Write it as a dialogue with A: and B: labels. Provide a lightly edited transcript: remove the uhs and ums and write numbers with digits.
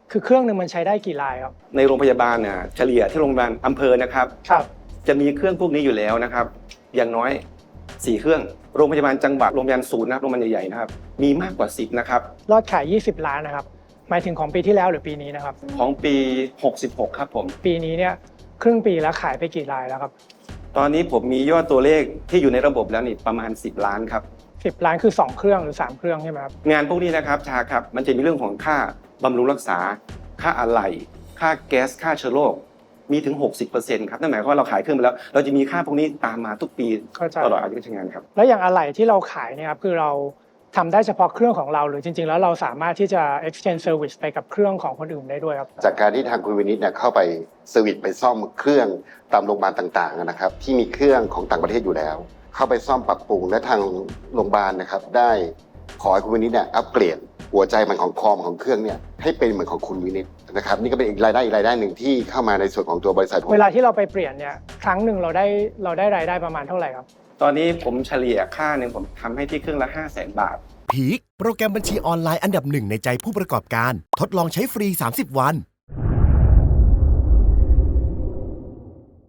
A: คือเครื่องหนึ่งมันใช้ได้กี่รายครับ
B: ในโรงพยาบาลเนี่ยเฉลี่ยที่โรงพยาบาลอำเภอนะครับจะมีเครื่องพวกนี้อยู่แล้วนะครับอย่างน้อย4เครื่องโรงพยาบาลจังหวัดโรงพยาบาลศูนย์นะโรงพยาบาลใหญ่ๆนะครับมีมากกว่า10นะครับ
A: ยอดขาย20 ล้านนะครับหมายถึงของปีที่แล้วหรือปีนี้นะครับ
B: ของปี66ครับผม
A: ปีนี้เนี่ยครึ่งปีแล้วขายไปกี่รายแล้วครับ
B: ตอนนี้ผมมียอดตัวเลขที่อยู่ในระบบแล้วนี่ประมาณ10 ล้านครับ
A: 10 ล้านคือ2เครื่องหรือ3เครื่องใช่ไหมครับ
B: งานพวกนี้นะครับชาครับมันจะมีเรื่องของค่าบำรุงรักษาค่าอะไหล่ค่าแก๊สค่าเชื้อโรคมีถึง 60% ครับนั่นหมายความว่าเราขายเครื่องไปแล้วเราจะมีค่าพวกนี้ตามมาทุกปีตลอดอายุการใช้งานครับ
A: แล้วอย่างอะไหล่ที่เราขายเนี่ยครับคือเราทำได้เฉพาะเครื่องของเราหรือจริงๆแล้วเราสามารถที่จะ exchange service ไปกับเครื่องของคนอื่นได้ด้วยครับ
C: จากการที่ทางคุณวินิตเนี่ยเข้าไปเซอร์วิสไปซ่อมเครื่องตามโรงพยาบาลต่างๆนะครับที่มีเครื่องของต่างประเทศอยู่แล้วเข้าไปซ่อมปรับปรุงและทางโรงพยาบาลนะครับได้ขอให้คุณวินิตเนี่ยอัปเกรดหัวใจมันของคอมของเครื่องเนี่ยให้เป็นเหมือนของคุณวินิตนะครับนี่ก็เป็นอีกรายได้หนึ่งที่เข้ามาในส่วนของตัวบริษัท
A: เวลาที่เราไปเปลี่ยนเนี่ยครั้งหนึ่งเราได้รายได้ประมาณเท่าไหร่ครับ
B: ตอนนี้ผมเฉลี่ยค่าหนึ่งผมทำให้ที่เครื่องละ500,000 บาท
D: พีคโปรแกรมบัญชีออนไลน์อันดับหนึ่งในใจผู้ประกอบการทดลองใช้ฟรี30 วัน